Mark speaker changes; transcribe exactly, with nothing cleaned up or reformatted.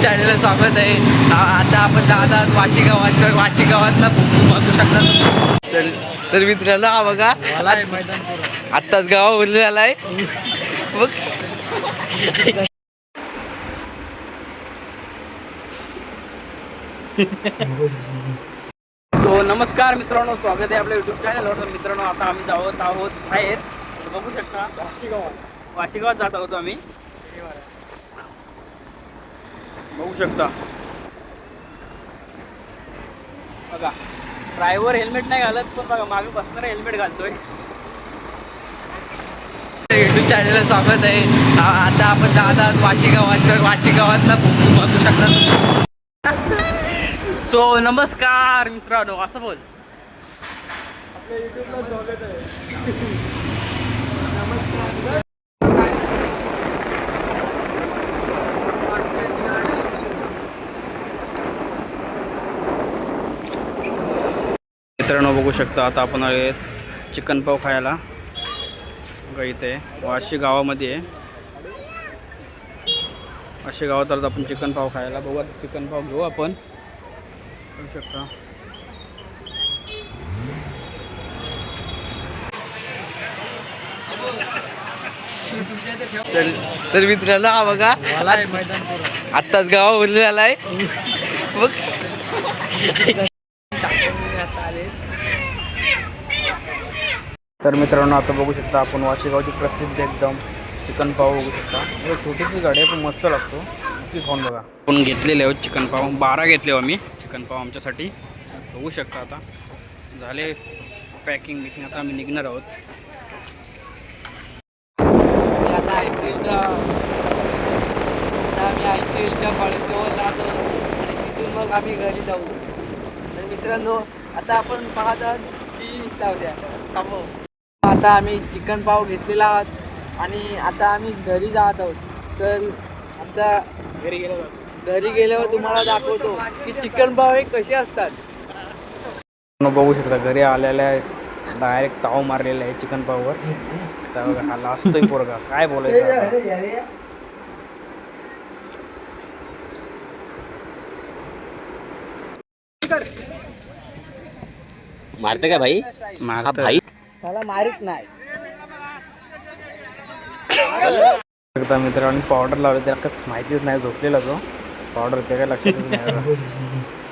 Speaker 1: चॅनलला स्वागत आहे. आता आपण दादा वाशी गावात वाशी गावातला बघू शकता. तर तर मित्रांनो हा बघा आत्ताच गावा उरलेला आहे बघ. सो नमस्कार मित्रांनो, स्वागत आहे आपल्या युट्यूब चॅनलवर. तर मित्रांनो आता आम्ही जात आहोत बाहेर. बघू शकता वाशी गावात वाशी गावात जात आहोत आम्ही. बघू शकता बघा, ड्रायव्हर हेल्मेट नाही घालत, पण बघा मागे बसणारा हेल्मेट घालतोय. युट्यूब चॅनलला स्वागत आहे. आता आपण दादा वाशी गावात वाशी गावातला बघू शकता. सो नमस्कार मित्रांनो, असं बोल.
Speaker 2: आपल्या युट्यूबला स्वागत आहे.
Speaker 1: मित्रांनो बघू शकता, आता आपण आले चिकन पाव खायला. बघा इथे वाशी गावामध्ये आहे. वाशी गावात आलो आपण चिकन पाव खायला. बघू चिकन पाव घेऊ आपण. बघू शकता तर तर मित्रांनो हा बघा आत्ताच गावा उरलेला आहे बघ. तर मित्रांनो आता बघू शकता आपण वाशीगावची प्रसिद्ध एकदम चिकन पाव बघू शकता. छोटीशी गाडी आहे पण मस्त लागतो. नक्की खाऊन बघा. आपण घेतलेले आहोत चिकन पाव, बारा घेतले हो आम्ही चिकन पाव आमच्यासाठी. बघू शकता आता झाले पॅकिंग बिकिंग. आता आम्ही निघणार आहोत. आता आय सी एलच्या आता आम्ही आय सी एलच्या कॉलेजजवळ जातो आणि तिथून मग आम्ही घरी जाऊ. तर मित्रांनो आता आपण पाहत आहात की जाऊ द्या थांबव. आता आम्ही चिकन पाव घेतलेला आहोत आणि आता आम्ही घरी जात आहोत. तर आमचा घरी गेलो घरी गेल्यावर तुम्हाला दाखवतो की चिकन पाव हे कसे असतात. बघू शकता घरी आलेल्या डायरेक्ट ताव मारलेला आहे चिकन पाववर. तर बघा हा लाजतोय पोरगा, काय बोलायचं.
Speaker 3: मारते का भाई?
Speaker 1: मारत
Speaker 3: भाई
Speaker 1: त्याला मारित नाही. एकदा मित्रांनी पावडर लावली, त्याला कसं माहितीच नाही. झोपलेला तो पावडर ते काय लक्षातच नाही.